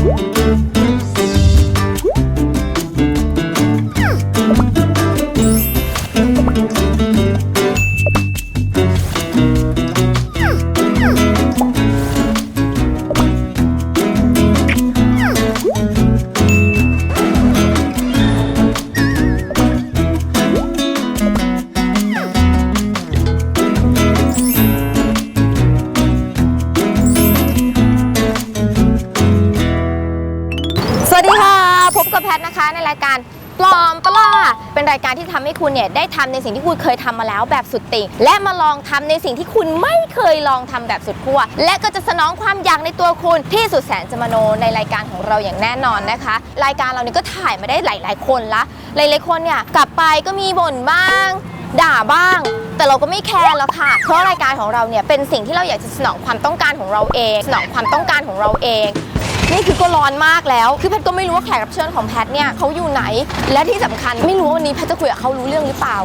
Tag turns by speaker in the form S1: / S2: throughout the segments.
S1: นะคะในรายการปลอมปะล่ะเป็นรายการที่ทำให้คุณเนี่ยได้ทำในสิ่งที่คุณเคยทำมาแล้วแบบสุดติ่งและมาลองทำในสิ่งที่คุณไม่เคยลองทำแบบสุดขั้วและก็จะสนองความอยากในตัวคุณที่สุดแสนจะมโนในรายการของเราอย่างแน่นอนนะคะรายการเราเนี่ยก็ถ่ายมาได้หลายๆคนละหลายๆคนเนี่ยกลับไปก็มีบ่นบ้างด่าบ้างแต่เราก็ไม่แคร์แล้วค่ะเพราะรายการของเราเนี่ยเป็นสิ่งที่เราอยากจะสนองความต้องการของเราเองสนองความต้องการของเราเองนี่คือก็ร้อนมากแล้วคือแพทก็ไม่รู้ว่าแขกรับเชิญของแพทเนี่ยเขาอยู่ไหนและที่สำคัญไม่รู้ว่าวันนี้แพทจะคุยกับเขารู้เรื่องหรือเปล่า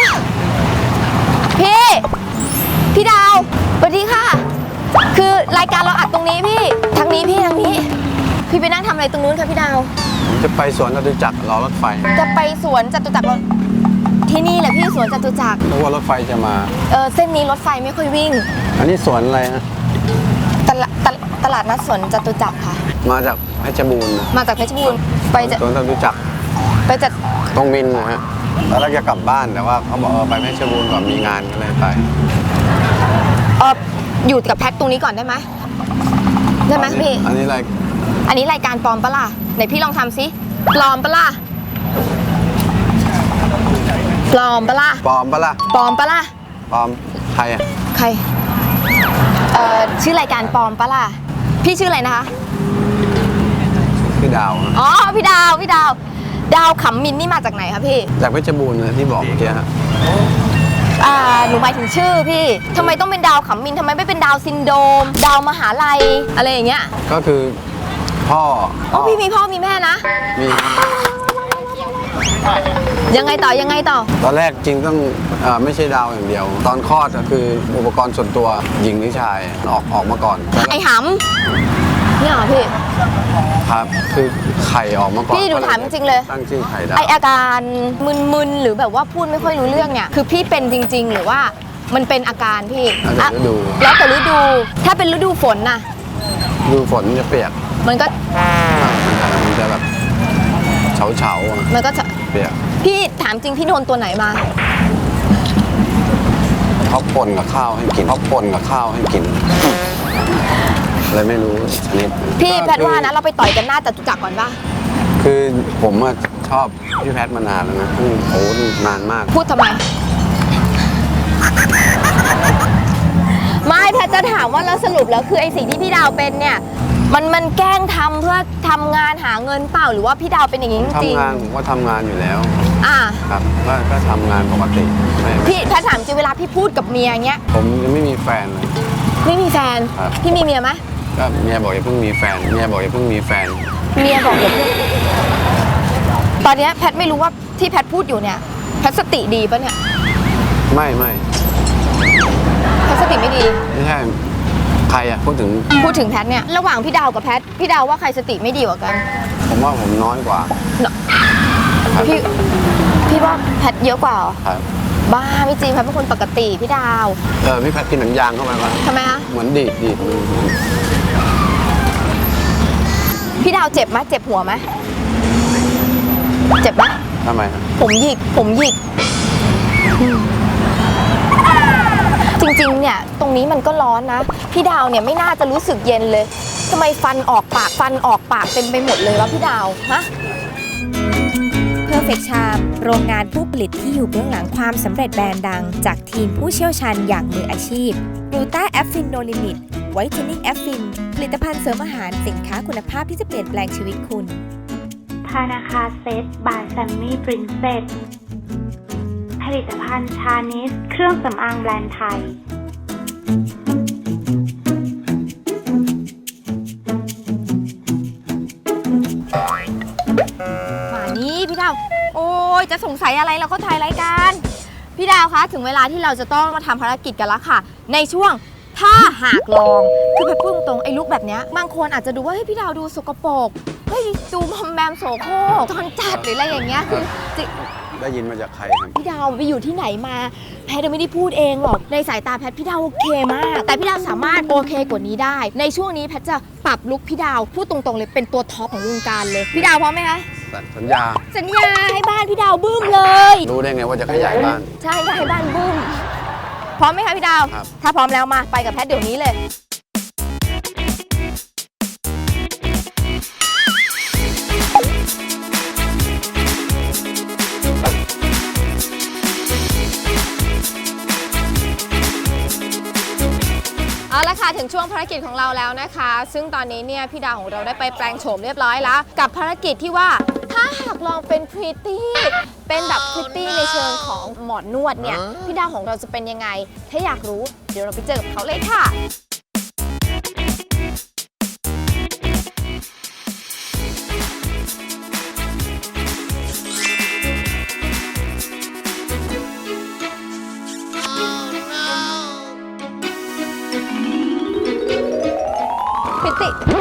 S1: พี่ดาวสวัสดีค่ะคือรายการเราอัดตรงนี้พี่ทางนี้พี่ไปนั่งทำอะไรตรงนู้นคะพี่ดาว
S2: จะไปสวนจตุจักรรอรถไฟ
S1: จะไปสวนจตุจักรที่นี่แหละพี่สวนจตุจักร
S2: เพราะว่ารถไฟจะมา
S1: เส้นนี้รถไฟไม่ค่อยวิ่ง
S2: อันนี้สวนอะไรฮะ
S1: ตลาดนัดสวนจตุจักรค่ะ
S2: มาจากเพชรบูรณ์
S1: มาจากเพชรบูรณ์ไป
S2: สวนจตุจักร
S1: ไปจาก
S2: ตรงมินนะฮะตอนแรกจะกลับบ้านแต่ว่าเขาบอกไปเพชรบูรณ์ก่อนมีงานก็เลยไป
S1: อยู่กับแพทตรงนี้ก่อนได้ไหมพี่
S2: อันนี้
S1: รายการปลอมปะล่ะไหนพี่ลองทำซิปลอมปะล่ะปลอมปะล่ะ
S2: ปลอมปะล่ะ
S1: ปลอมปะล่ะ
S2: ปลอมใครอะ
S1: ใครชื่อรายการปลอมปะล่ะพี่ชื่ออะไรนะคะ
S2: พี่ดาว
S1: อ๋อพี่ดาวขำมินนี่มาจากไหนคะพี่
S2: จากเพชรบูรณ์นะที่บอกเมื่อกี้ฮะ
S1: หนูหมายถึงชื่อพี่ทำไมต้องเป็นดาวขำมินทำไมไม่เป็นดาวซินโดรมดาวมหาลัยอะไรอย่างเงี้ย
S2: ก็คือพ่อ
S1: พี่มีพ่อมีแม่นะ
S2: มี
S1: ยังไงต่อ
S2: ตอนแรกจริงต้องไม่ใช่ดาวอย่างเดียวตอนคลอดก็คืออุปกรณ์ส่วนตัวหญิงหรือชายออกมาก่อน
S1: ไอ้หำนี่เหรอพี่
S2: ครับคือไข่ออกมาก่อน
S1: พี่ดูถามจริงเลย
S2: ตั้งชื่อไข่ดาว
S1: ไออาการมึนๆหรือแบบว่าพูดไม่ค่อยรู้เรื่องเนี่ยคือพี่เป็นจริงๆหรือว่ามันเป็นอาการพี่แล้วแต่ฤดูถ้าเป็นฤดูฝนน่ะ
S2: ฤดูฝนจะเปียก
S1: มัน
S2: จะแบบเฉา
S1: มันก็จะ
S2: เปียก
S1: พี่ถามจริงพี่โดนตัวไหนมา
S2: เขาป่นกับข้าวให้กินอะไรไม่รู้ชนิด
S1: พี่แพทว่านะเราไปต่อยกันหน้าจตุจักรก่อนป่ะ
S2: คือผมชอบพี่แพทมานานแล้วนะโอ้นานมาก
S1: พูดทำไมไม่แพทจะถามว่าแล้วสรุปแล้วคือไอสิ่งที่พี่ดาวเป็นเนี่ยมันแกล้งทำเพื่อทำงานหาเงินเปล่าหรือว่าพี่ดาวเป็นอย่างนี้จริง
S2: ทำงานผมก็ทำงานอยู่แล้วครับก็ทำงานปกติ
S1: พี่แพทถามจริงเวลาพี่พูดกับเมียเงี้ย
S2: ผมยังไม่มีแฟนเลย
S1: ไม่มีแฟนพี่มีเมียไหม
S2: ก็เมียบอกอย่าเพิ่งมีแฟนเมียบอกอย่าเพิ่งมีแฟน
S1: ตอนนี้แพทไม่รู้ว่าที่แพทพูดอยู่เนี่ยแพทสติดีปะเนี่ย
S2: ไม่
S1: แพทสติไม่ดี
S2: ไม่ใช่ใครอะพูดถึง
S1: แพทเนี่ยระหว่างพี่ดาวกับแพทพี่ดาวว่าใครสติไม่ดีกว่ากัน
S2: ผมว่าผมน้อยกว่า
S1: พี่ว่าแพทเยอะกว่า
S2: ครับ
S1: บ้าไม่จริงแพทเป็นคนปกติพี่ดาว
S2: พี่แพทกินหนังยางเข้าไปก่อน
S1: ทำไมคะ
S2: เหมือนดีด
S1: พี่ดาวเจ็บไหมเจ็บหัวไหมเจ็บไหม
S2: ทำไม
S1: ผมหยิกจริงๆเนี่ยตรงนี้มันก็ร้อนนะพี่ดาวเนี่ยไม่น่าจะรู้สึกเย็นเลยทำไมฟันออกปากเต็มไปหมดเลยวะพี่ดาวฮะ
S3: Perfect Charm โรงงานผู้ผลิตที่อยู่เบื้องหลังความสำเร็จแบรนด์ดังจากทีมผู้เชี่ยวชาญอย่างมืออาชีพ Gluta Affin No Limit Whitening Affin ผลิตภัณฑ์เสริมอาหารสินค้าคุณภาพที่จะเปลี่ยนแปลงชีวิตคุณ
S4: ธนาคารเซตบายแซมมี่ปรินเซสผลิตภัณฑ์ชานิสเครื่องสำอางแบรนด์ไทย
S1: มานี่พี่ดาวโอ้ยจะสงสัยอะไรเราก็ถ่ายรายการพี่ดาวคะถึงเวลาที่เราจะต้องมาทำภารกิจกันแล้วค่ะในช่วงถ้าหากลองคือแพทย์พูดตรงๆไอ้ลุคแบบเนี้ยบางคนอาจจะดูว่าเฮ้ยพี่ดาวดูสกปรกเฮ้ยดูมอมแมมโสโครกจอนจัดหรืออะไรอย่างเงี้ยคือจริง
S2: ได้ยินมาจากใครครับ
S1: พี่ดาวไปอยู่ที่ไหนมาแพทย์ไม่ได้พูดเองหรอกในสายตาแพทย์พี่ดาวโอเคมากแต่พี่ดาวสามารถโอเคกว่านี้ได้ในช่วงนี้แพทย์จะปรับลุคพี่ดาวพูดตรงๆเลยเป็นตัวท็อปของวงการเลยพี่ดาวพร้อมไหมคะ
S2: สัญญา
S1: สัญญาให้บ้านพี่ดาวบึ้มเลย
S2: รู้ได้ไงว่าจะขยายบ้าน
S1: ใช่ให้บ้านบึ้มพร้อมไหมคะพี่ดาว
S2: ครับ
S1: ถ้าพร้อมแล้วมาไปกับแพทย์เดี๋ยวนี้เลย เอาละค่ะถึงช่วงภารกิจของเราแล้วนะคะ ซึ่งตอนนี้เนี่ยพี่ดาวของเราได้ไปแปลงโฉมเรียบร้อยแล้ว กับภารกิจที่ว่าถ้าหากลองเป็นพริตตี้เป็นแบบพริตตี้ในเชิงของหมอนวดเนี่ยพี่ดาวของเราจะเป็นยังไง ถ้าอยากรู้เดี๋ยวเราไปเจอกับเขาเลยค่ะ พิต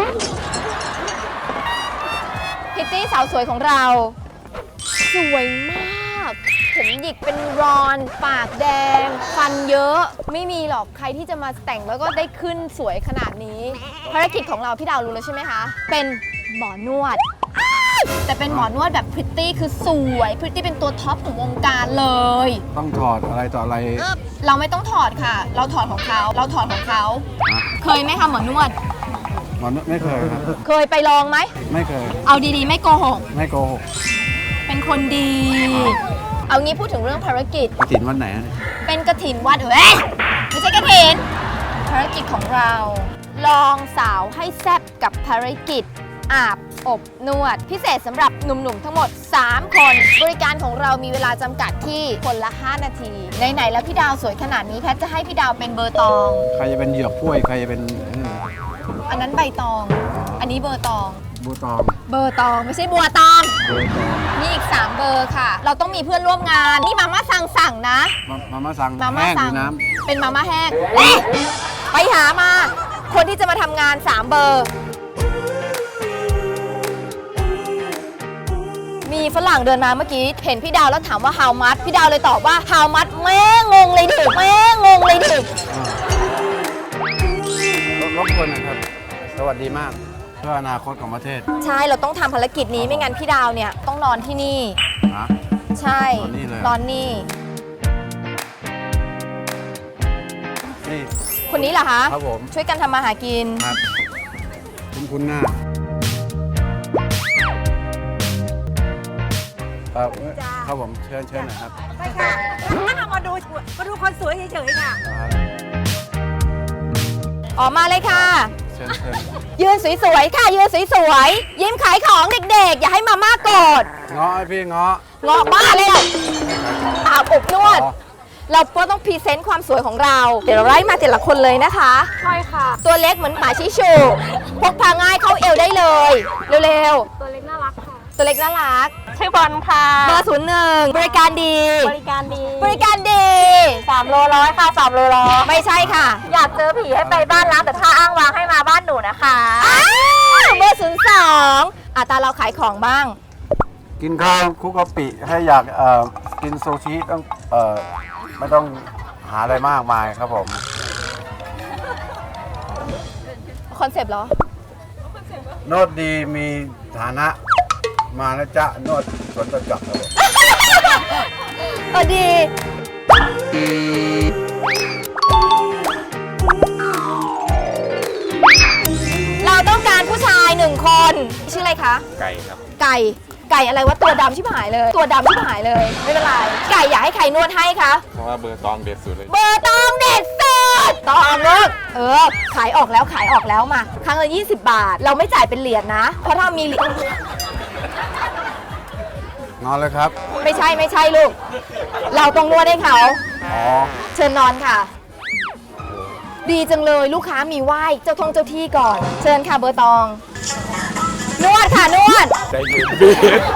S1: ตี้สาวสวยของเรา สวยมากผมหยิกเป็นรอนปากแดง ฟันเยอะไม่มีหรอกใครที่จะมาแต่งแล้วก็ได้ขึ้นสวยขนาดนี้ ภารกิจของเราพี่ดาวรู้แล้วใช่ไหมคะ เป็นหมอนวดแต่เป็นหมอนวดแบบพริตตี้คือสวยพริตตี้เป็นตัวท็อปของวงการเลย
S2: ต้องถอดอะไรต่ออะไร
S1: เราไม่ต้องถอดค่ะ เราถอดของเขาเคยไหมคะหมอนวด
S2: มันไม่เคยครับ
S1: เคยไปลองไหม
S2: ไม่เคย
S1: เอาดีๆ ไม่โกหก
S2: ไม่โกหก
S1: เป็นคนดี เอางี้พูดถึงเรื่องภารกิจ
S2: กฐินวันไหนอะเนี่ย
S1: เป็นกฐินวัดไม่ใช่กฐิน ภารกิจของเรา ลองสาวให้แซ่บกับภารกิจ อาบอบนวด พิเศษสำหรับหนุ่มๆทั้งหมด 3 คน บริการของเรามีเวลาจำกัดที่คนละ 5 นาที ไหนๆแล้วพี่ดาวสวยขนาดนี้แพทย์จะให้พี่ดาวเป็นเบอร์ตอง
S2: ใครจะเป็นเหยือกกล้วย ใครจะเป็น
S1: อันนั้นใบตอง อันนี้เบอร์ตอง
S2: บูตอง
S1: เบอร์ตองไม่ใช่บัวตอง
S2: เบอร์ตอง
S1: มีอีก 3 เบอร์ค่ะ เราต้องมีเพื่อนร่วมงาน นี่มาม่าสั่งนะ
S2: มาม่าสั่ง
S1: มาม่า
S2: แห้งห
S1: สั่
S2: รื
S1: ง
S2: อน้
S1: เป็นมาม่าแห้งไปหามา คนที่จะมาทำงาน 3 เบอร์ มีฝรั่งเดินมาเมื่อกี้ เห็นพี่ดาวแล้วถามว่า how much พี่ดาวเลยตอบว่า how much แม่งงเลยดิแม่งงเลยดิ
S2: ำรบกวนนะครับ สวัสดีมาก เพื่ออนาคตของประเทศ
S1: ใช่เราต้องทำภารกิจนี้ไม่งั้นพี่ดาวเนี่ยต้องนอนที่นี่
S2: นะ
S1: ใช่
S2: นอนนี่เลย
S1: นอนนี่
S2: นี่
S1: คนนี้เหรอคะ
S2: ครับผม
S1: ช่วยกันทำมาหากิน
S2: ครับคุณหน้าครับผมเชิญหน่อยครับ
S5: ใช่ค่ะมาดูคนสวยเฉยๆค่ะ
S1: ออกมาเลยค่ะ
S2: เชิญ
S1: ยืนสวยๆค่ะ ยืนสวยๆยิ้มขายของเด็กๆ อย่าให้มาม่าโกรธ
S2: เงาะให้พี่เงาะ
S1: เงาะบ้าเลยอะอาบอบนวด
S2: อ๋อ
S1: เราก็ต้องพรีเซนต์ความสวยของเรา เดี๋ยวเราไล่มาแต่ละคนเลยนะคะ
S5: ใช่ค่ะ
S1: ตัวเล็กเหมือนหมาชิชูพกพาง่ายเข้าเอวได้เลย เร็ว
S5: ตัวเล็กน่ารักค่ะ
S1: ๆ ตัวเล็กน่ารัก
S5: ชื่อบอลค่ะ
S1: เบอร์01บริการดี
S5: บริการดี
S1: บริการดี
S5: 3 โลร้อยค่ะ3 โลร้อย
S1: ไม่ใช่ค่ะ
S5: อยากเจอผีให้ไปบ้านล้างแต่ถ้าอ้างวางให้มาบ้านหนูนะคะ
S1: อ้าวเบอร์02ตาเราขายของบ้าง
S2: กินข้าวคลุกกะปิให้อยากกินซูชิต้องไม่ต้องหาอะไรมากมายครับผม
S1: คอนเซปต์เหรอ
S2: โนดดีมีฐานะมาแล้วจ้ะนวดสวนประจักษ์ครับผม
S1: ดี เราต้องการผู้ชาย1 คน ชื่ออะไรคะ
S6: ไก่ครับ
S1: ไก่อะไรวะตัวดำชิบหายเลย ตัวดำชิบหายเลย ไม่เป็นไร ไก่อยากให้ใครนวดให้คะ
S6: เพราะว่าเบอร์ตองเด็ดสุดเลย
S1: เบอร์ตองเด็ดสุดตองเลิกขายออกแล้วมา ครั้งละ20 บาท เราไม่จ่ายเป็นเหรียญนะ เพราะถ้ามีเหรียญ
S2: นอนเลยครับ
S1: ไม่ใช่ลูก เราต้องนวดให้เขา
S2: อ๋อ
S1: เชิญนอนค่ะ ดีจังเลยลูกค้ามีไหว้เจ้าที่ก่อน เชิญค่ะเบอร์ตอง นวดค่ะนวด
S6: ใจเย็นพี่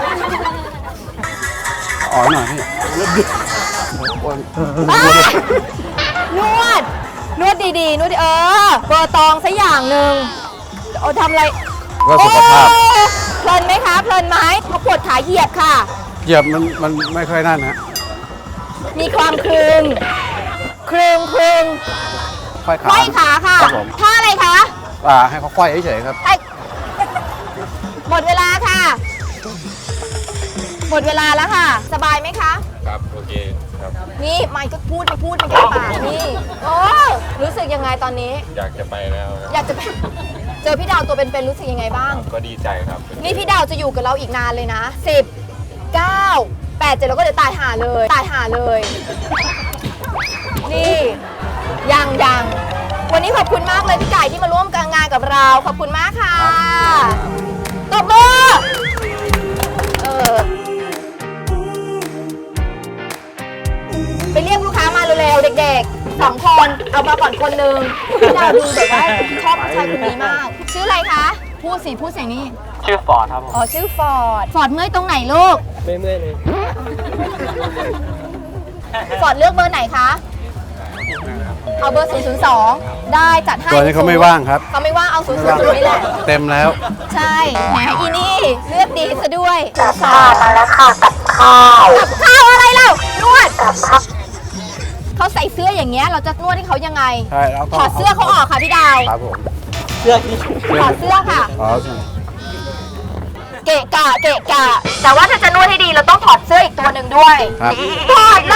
S2: อ๋อหน่อยพี่
S1: อ้านวดนวดดีๆนวดดีเบอร์ตองสักอย่างหนึ่งเอาทำอะไร
S2: ก็สุขภาพ
S1: โอ้เพลินไหมคะเพลินไหมเขาปวดขาเหยียบค่ะ
S2: เหยียบมันไม่ค่อยนั่นฮะ
S1: มีความครึงครึง
S2: ค่อยขา
S1: ไขว้ขาค่ะ
S2: ครับผม
S1: ท่าอะไรคะ
S2: ให้เขาค่อยเฉยๆครับ
S1: ไอ้หมดเวลาค่ะ หมดเวลาแล้วค่ะ สบายไหมคะ
S6: ครับ โอเคครับ
S1: นี่ไม่ก็พูดไม่แก้ปากนี่โอ้รู้สึกยังไงตอนนี้
S6: อยากจะไปแล้วครับ
S1: อยากจะไปเจอพี่ดาวตัวเป็นๆรู้สึกยังไงบ้าง
S6: ก็ดีใจครับ
S1: นี่พี่ดาวจะอยู่กับเราอีกนานเลยนะ10 9 8 7แล้วก็เดี๋ยวตายห่าเลย นี่ยังวันนี้ขอบคุณมากเลยพี่ไก่ที่มาร่วมงานกับเราขอบคุณมากค่ะตบมือไปเรียกลูกค้ามาเร็วๆเด็กๆ2 คนเอามาก่อนคนหนึ่งพี่ดาวดูแบบว่าชอบผู้ชายคนนี้มาก ชื่ออะไรคะพูดเสียงนี่
S7: ชื่อฟอร์ดครับผม
S1: อ๋อชื่อฟอร์ดเมื่อยตรงไหนลูก
S7: ไม่เมื่อยเลย
S1: ฟอร์ดเลือกเบอร์ไหนคะ เอาเบอร์ 002 ได้จัดให้
S2: ตัวนี้เขาไม่ว่างครับ
S1: เขาไม่ว่างเอา 002 นี่แหละ
S2: เต็มแล้ว
S1: ใช่แหมอีนี่เลือกดีซะด้วย
S5: มาแล้วค่ะกับข้าว
S1: กับข้าวอะไรเล่านวดเขาใส่เสื้ออย่างเงี้ยเราจะนวดให้เขายังไง
S2: ใช่เราต้อง
S1: ถอดเสื้อเขาออกค่ะพี่ดาว
S2: ครับผม
S7: เสื้อที่
S1: ถอดเสื้อค่ะ
S2: อ๋อ
S1: เกะกะแต่ว่าถ้าจะนวดให้ดีเราต้องถอดเสื้ออีกตัวหนึ่งด้วย
S2: ครับ
S1: ถอดเลย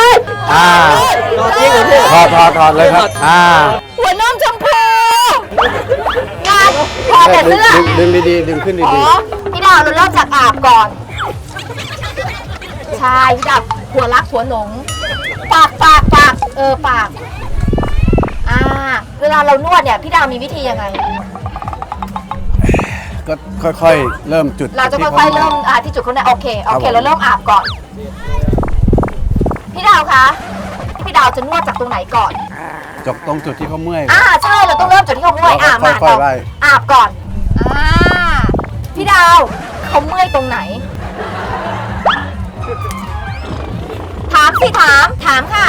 S2: ถอดเลยครับ
S1: หัวนมชมพูงานถอดแต่เสื้อ
S2: ดึงดีๆดึงขึ้น
S1: อ๋
S2: ดี
S1: อพี่ดาวเราเริ่มจากอาบก่อน ใช่พี่ดาวหัวรักหัวหลงปากปากเวลาเรานวดเนี่ยพี่ดาวมีวิธียังไง
S2: ๆก็ค่อยๆ เริ่มจุด
S1: เราจะค่อยๆเริ่มที่จุดเขาเนี่ยโอเค
S2: ครับผม
S1: เราเริ่มอาบก่อน พี่ดาวคะพี่ดาวจะนวดจากตรงไหนก่อน
S2: จบตรงจุดที่เขาเมื่อย
S1: ใช่เราต้องเริ่มจากที่เขาเมื่อย
S2: เราก็
S1: มา
S2: ค่อยๆไล่
S1: อาบก่อนพี่ดาวเขาเมื่อยตรงไหน ถามค่ะ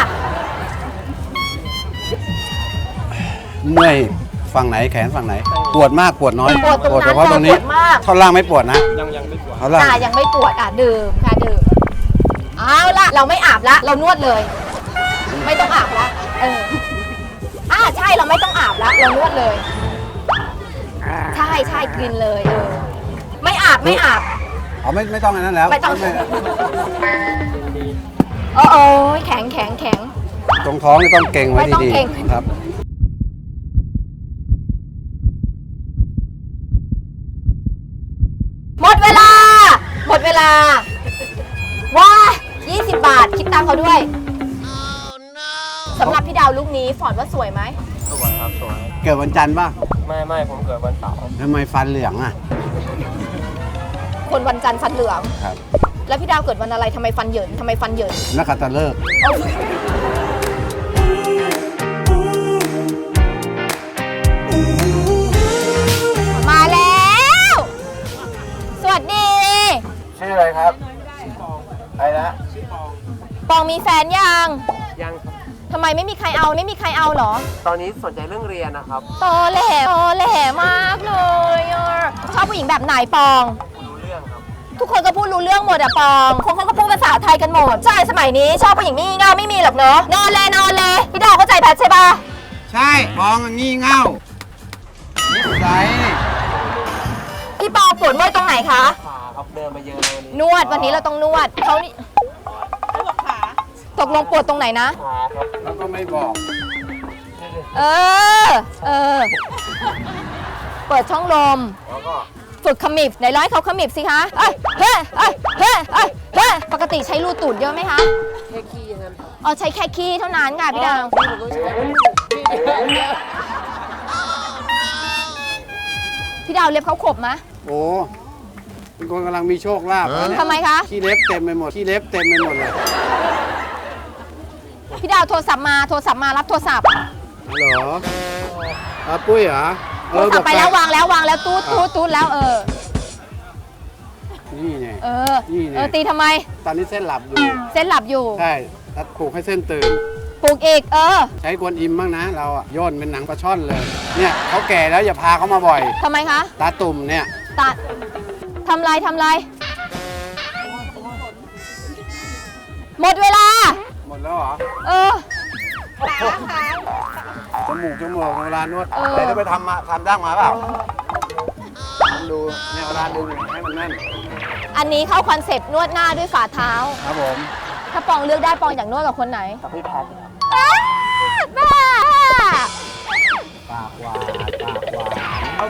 S2: เมื่อยฝั่งไหนแขนฝั่งไหน ปวดมากปวดน้อย
S1: ปวดตรงนั้น
S2: เฉพาะตรงนี้
S1: ปวดมาก
S2: ท่อนล่างไม่ปวดนะ
S7: ยังไม่ปวด
S2: ท่อนล่าง
S1: ยังไม่ปวดดื่มค่ะดื่มเอาละเราไม่อาบละเรานวดเลย ไม่ต้องอาบละใช่เราไม่ต้องอาบละเรานวดเลยใช่กินเลยไม่อาบ
S2: อ๋อไม่ต้องอันนั้นแล้ว
S1: ไม่ต้อง โอ้ยแข็ง
S2: ตรงท้องนี่ต้องเก่งไว้
S1: ไม่ต้อง
S2: ดี
S1: เกร็ง
S2: ๆครับ
S1: หมดเวลาว้า20 บาทคิดตังค์เขาด้วยสำหรับพี่ดาวลูกนี้ฟอร์ดว่าสวยไหม
S7: สวยครับสวย
S2: เกิดวันจันทร์ป่ะ
S7: ไม่ผมเกิดวันเสาร์
S2: ทำไมฟันเหลืองอ่ะ
S1: คนวันจันทร์ฟันเหลือง
S2: ครับ
S1: แล้วพี่ดาวเกิดวันอะไรทำไมฟันเหยิน
S2: นักขัตฤกษ์
S1: มาแล้ว สวัสดี
S2: ชื่ออะไรครับไอ้นะ
S1: ปองมีแฟนยัง
S7: ยังครับ
S1: ทำไมไม่มีใครเอาเหรอ
S7: ตอนนี้สนใจเรื่องเรียนนะครับ
S1: ตอแหลมากเลยชอบผู้หญิงแบบไหนปอง
S7: รู้เรื่องครับ
S1: ทุกคนก็พูดรู้เรื่องหมดอะปองคนเขาก็พูดภาษาไทยกันหมด ใช่สมัยนี้ชอบผู้หญิงงี่เง่าไม่มีหรอกเนอะนอนเลยพี่ดาวเข้าใจแพทใช่ปะ
S2: ใช่ปองงี่เง่านิสัย
S1: พี่ปองปวดเมื่อยตรงไหนคะ
S7: ขาครับเดินมาเยอะเลย
S1: นวดวันนี้เราต้องนวดเขานี่ตกลงปวดตรงไหนนะ
S7: ขาครับ
S2: แล้วก็ไม่บอก
S1: เออ เปิดช่องลม
S2: แล้วก็
S1: ฝึกขมิบไหนร้อยเขาขมิบสิคะเฮ้ปกติใช้รูตูดเยอะไหมคะ
S7: แค่ขี้อย่างนั้น
S1: อ๋อใช้แค่ขี้เท่านั้นค่ะพี่ดาวพี่ดาวเล็บเขาขบไหม
S2: โอ้เป็นคนกำลังมีโชคลาภนะเนี่ย
S1: ทำไมคะ
S2: ขี้เล็บเต็มไปหมดเลย
S1: พี่ดาวโทรศัพท์มารับโทรศัพท์
S2: เหรอปุ้ยเหรอ
S1: โทรศัพท์ไปแล้ววางแล้วตูดแล้ว
S2: นี่ไง นี่ไง
S1: ตีทำไม
S2: ตอนนี้เส้นหลับอยู่
S1: เส้นหลับอยู่
S2: ใช่แล้วผูกให้เส้นตื่น
S1: ปลูกอีก
S2: ใช้กวนอิมบ้างนะเราอะโยนเป็นหนังปลาช่อนเลย เนี่ยเขาแก่แล้วอย่าพาเขามาบ่อย
S1: ทำไมคะ
S2: ตาตุ่มเนี่ย
S1: ตัดทำไรหมดเวลา
S2: หมดแล้วเหรอ จมูกเวลานวดไหนจะไปทำดั้งมาเปล่าทำดูเนี่ยเวลาดึงให้มันแน่น
S1: อันนี้เข้าคอนเซปต์นวดหน้าด้วยฝ่าเท้า
S2: ครับผม
S1: ถ้าปองเลือกได้ปองอยากนวดกับคนไหน
S7: กับพี่แพท
S1: บ้า
S2: ปากหวานเอา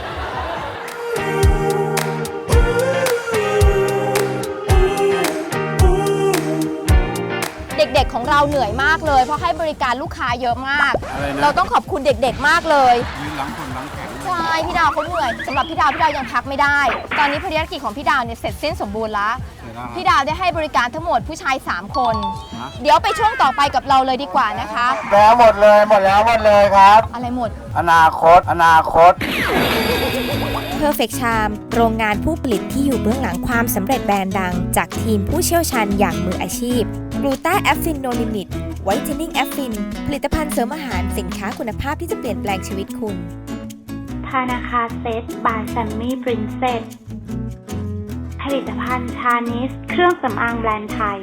S1: เด็กๆของเราเหนื่อยมากเลย เพราะให้บริการลูกค้าเยอะมาก
S2: อะไรนะ
S1: เราต้องขอบคุณเด็กๆมากเลย
S2: ยืนหลังคนหลังแข็ง
S1: ใช่พี่ดาวเขาเหนื่อยสำหรับพี่ดาวยังพักไม่ได้ ตอนนี้ภารกิจของพี่ดาวเนี่ยเสร็จสิ้นสมบูรณ์แล้ว พี่ดาวได้ให้บริการทั้งหมดผู้ชาย 3 คน เดี๋ยวไปช่วงต่อไปกับเราเลยดีกว่านะคะ
S2: แล้วหมดเลยครับ
S1: อะไรหมด
S2: อนาคต
S3: Perfect Charm โรงงานผู้ผลิตที่อยู่เบื้องหลังความสำเร็จแบรนด์ดัง จากทีมผู้เชี่ยวชาญอย่างมืออาชีพ Gluta Affin No Limit Whitening Affin ผลิตภัณฑ์เสริมอาหารสินค้าคุณภาพที่จะเปลี่ยนแปลงชีวิตคุณ
S4: ธนาคารเซตบายแซมมี่ปรินเซสผลิตภัณฑ์ชานิสเครื่องสำอางแบรนด์ไทย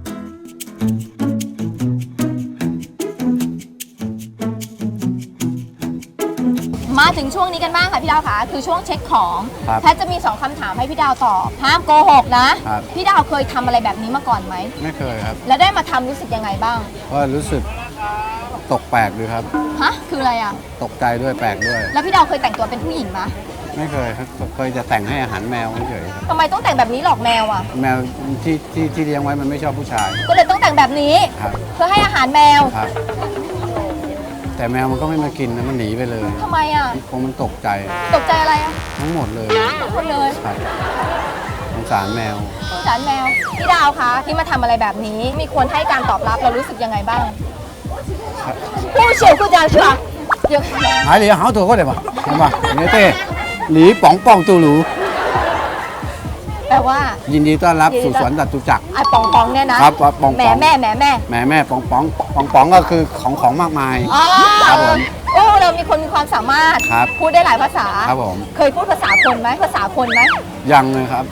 S1: มาถึงช่วงนี้กันบ้างค่ะพี่ดาวค่ะคือช่วงเช็คของ
S2: ครับ
S1: แพทย์จะมี2คำถามให้พี่ดาวตอบห้ามโกหกนะครับ พี่ดาวเคยทำอะไรแบบนี้มาก่อนไหม
S2: ไม่เคยครับ
S1: แล้วได้มาทำรู้สึกยังไงบ้าง
S2: ก็รู้สึกตกแปลกดีครับ
S1: ฮะคืออะไรอ่ะ
S2: ตกใจด้วยแปลกด้วย
S1: แล้วพี่ดาวเคยแต่งตัวเป็นผู้หญิงไหม
S2: ไม่เคยครับเคยจะแต่งให้อาหารแมวเฉยๆครับ
S1: ทำไมต้องแต่งแบบนี้หลอกแมวอ่ะ
S2: แมวที่เลี้ยงไว้มันไม่ชอบผู้ชาย
S1: ก็เลยต้องแต่งแบบนี้
S2: ครับ
S1: เพื่อให้อาหารแมว
S2: ครับ แต่แมวมันก็ไม่มากินนะมันหนีไปเลย
S1: ทำไมอ่ะ
S2: คงมันตกใจ
S1: ตกใจอะไรอ่ะ
S2: ทั้งหมดเลย
S1: ทุกคนเลย
S2: ครับสงสารแมว
S1: สงสารแมวพี่ดาวคะที่มาทำอะไรแบบนี้ มีคนให้การตอบรับเรารู้สึกยังไงบ้างผู้เชี่ยวชาญค่ะเดี๋ยว
S2: หายเหลียวหาตัวก็ได้ปะเห็นปะเนี่ยเต้หลีป๋องป่องตูหลู
S1: แปลว่า
S2: ยินดีต้อนรับสู่สวนจตุจักร
S1: ไอ้ปองปองเนี่ยนะครับ
S2: ปอง
S1: แหม่
S2: ปอง
S1: แม่แหม่แม่
S2: แม่ป๋องป๋องป๋องป๋องก็คือของมากมาย
S1: อ๋อ
S2: ครับผม
S1: โอ้เรามีคนมีความสามารถ
S2: ครับ
S1: พูดได้หลายภาษา
S2: ครับผม
S1: เคยพูดภาษาคนไหมภาษาคนไหม
S2: ยังเลยครับ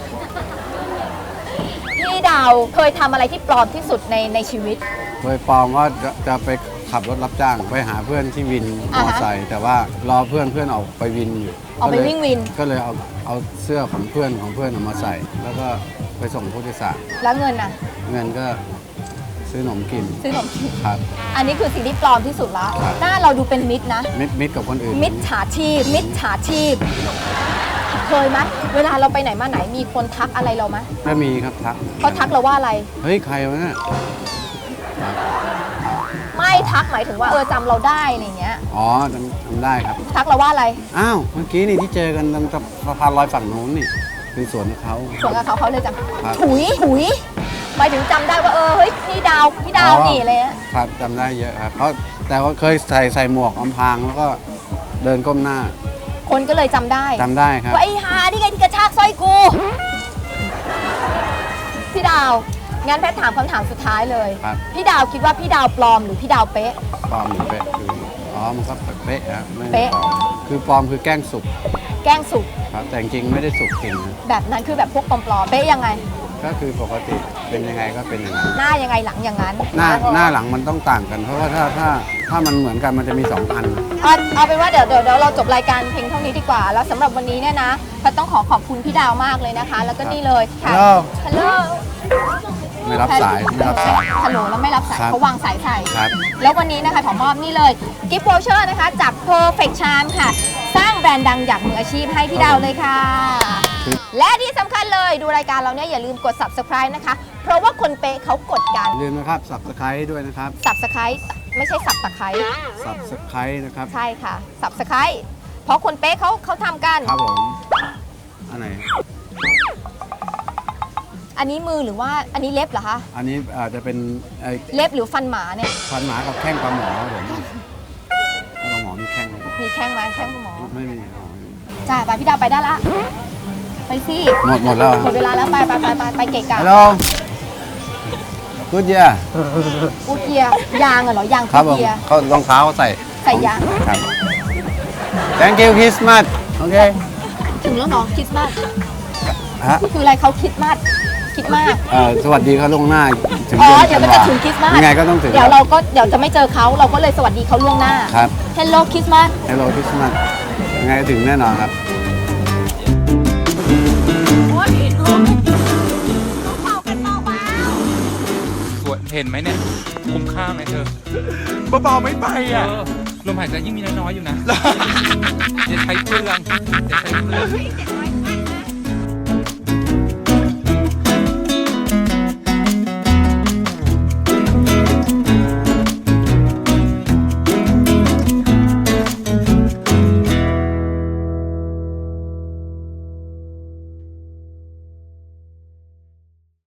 S1: พี่ดาวเคยทำอะไรที่ปลอมที่สุดในชีวิต
S2: โดยปองก็จะไปขับรถรับจ้างไปหาเพื่อนที่วินมอเตอร์ไซค์แต่ว่ารอเพื่อนออกไปวินอยู่
S1: ออกไปวิ่งวิน
S2: ก็เลยเอาเสื้อของเพื่อนออกมาใส่ แล้วก็ไปส่งผู้โดยสาร
S1: แล้วเงินน่ะ
S2: เงินก็ซื้อขนมกิน
S1: ซื้อขนมกิน
S2: ครับ
S1: อันนี้คือสิ่งที่ปลอมที่สุดแล้ว
S2: ครับ
S1: หน้าเราดูเป็นมิตรนะ
S2: มิดกับคนอื่น
S1: มิจฉาชีพ มิจฉาชีพ เคยไหมเวลาเราไปไหนมาไหนมีคนทักอะไรเราไหม
S2: ก็มีครับทัก
S1: เขาทักเราว่าอะไร
S2: เฮ้ยใครวะเนี่ย
S1: ไม่ทักหมายถึงว่าจำเราได้อะไรเงี้ย
S2: อ๋อจำได้ครับ
S1: ทักเราว่าอะไร
S2: อ้าวเมื่อกี้นี่ที่เจอกันตรงสะพานลอยฝั่งนู้นนี่เป็นสวนของเขา
S1: ส่วนกับเขาเลยจัง
S2: ครับ
S1: ถุยหมายถึงจำได้ว่าเฮ้ยพี่ดาวนี่อะไรเงี้ย
S2: ครับจำได้เยอะครับเพราะแต่ว่าเคยใส่หมวกอำพรางแล้วก็เดินก้มหน้า
S1: คนก็เลยจำได้
S2: จำได้ครับ
S1: ว่าไอ้ฮานี่ไงที่กระชากสร้อยกู พี่ดาว งั้นแพทย์ถามคำถามสุดท้ายเลย
S2: ครับ
S1: พี่ดาวคิดว่าพี่ดาวปลอมหรือพี่ดาวเป๊ะ
S2: ปลอมหรือเป๊ะคืออ๋อมันก็เป๊ะครับไม่
S1: เป๊ะ
S2: ปลอมคือปลอมคือแกล้งสุก
S1: แกล้งสุก
S2: ครับแต่จริงๆไม่ได้สุกจริงนะ
S1: แบบนั้นคือแบบพวกปลอมๆเป๊ะยังไง
S2: ก็คือปกติเป็นยังไงก็เป็นอย่างนั้น
S1: หน้ายังไงหลังอย่างนั้น
S2: หน้าหลังมันต้องต่างกัน เพราะว่าถ้ามันเหมือนกันมันจะมี2 อัน
S1: เอาเป็นว่าเดี๋ยวเราจบรายการเพียงเท่านี้ดีกว่า แล้วสำหรับวันนี้เนี่ยนะแพทย์ต้องขอบคุณพี่ดาวมากเลยนะคะ แล้วก็นี่เลยค่ะ
S2: ฮัลโหล
S1: ฮัลโหล
S2: ไม่รับสาย
S1: ฮัลโหลแล้วไม่รับสาย
S2: ครับ
S1: เขาวางสายใส่
S2: ครับ
S1: แล้ววันนี้นะคะขอมอบนี่เลยกิฟต์วอเชอร์นะคะจาก Perfect Charm ค่ะ สร้างแบรนด์ดังอย่างมืออาชีพให้พี่ดาวเลยค่ะ และที่สำคัญเลยดูรายการเราเนี่ยอย่าลืมกด subscribe นะคะ เพราะว่าคนเป๊ะเขากดกัน
S2: อย่าลืมนะครับ subscribe ด้วยนะครับ
S1: subscribe ไม่ใช่สับตะไคร้
S2: subscribe นะครับ
S1: ใช่ค่ะ subscribe เพราะคนเป๊ะเขาทำกัน
S2: ครับผมอันไหน
S1: อันนี้มือหรือว่าอันนี้เล็บเหรอคะ
S2: อันนี้อาจจะเป็นไอ้
S1: เล็บหรือฟันหมาเนี่ย
S2: ฟันหมากับแข้งปลาหมอครับผมปลาหมอมีแข้งไหม
S1: มีแข้งไหมแข้งคุณหมอ
S2: ไม่มี
S1: จ้าไปพี่ดาวไปได้ละ ไปสิ
S2: หมดแล้ว
S1: หมดเวลาแล้วไปเกะกะ
S2: ฮัลโหลกูดเยีย
S1: กูเกียร์ยางเหรอยาง
S2: ครับผม
S1: เกียร์
S2: เขารองเท้าเขาใส่
S1: ใส่ยาง
S2: ครับ Thank you Christmas โอเค
S1: ถึงแล้วเนาะคริสต์มาส
S2: ฮะ
S1: คืออะไรเขาคิดมากคิดมาก
S2: สวัสดีเขาล่วงหน้าถึง
S1: อ๋อ
S2: เดือน
S1: เดี๋ยวมันจะถึงคริสต์มาส
S2: ยังไงก็ต้องถึง
S1: เดี๋ยวจะไม่เจอเขาเราก็เลยสวัสดีเขาล่วงหน้า
S2: ครับ
S1: Hello คริสต์มาส
S2: Hello Christmas ยังไงก็ถึงแน่นอนครับ
S8: สวยเห็นไหมเนี่ย คุ้มค่าไหมเธอเบาๆไม่ไปอ่ะลมหายใจยิ่งมีน้อยๆอยู่นะอย่าใช้เปลืองอย่าใช้เปลือง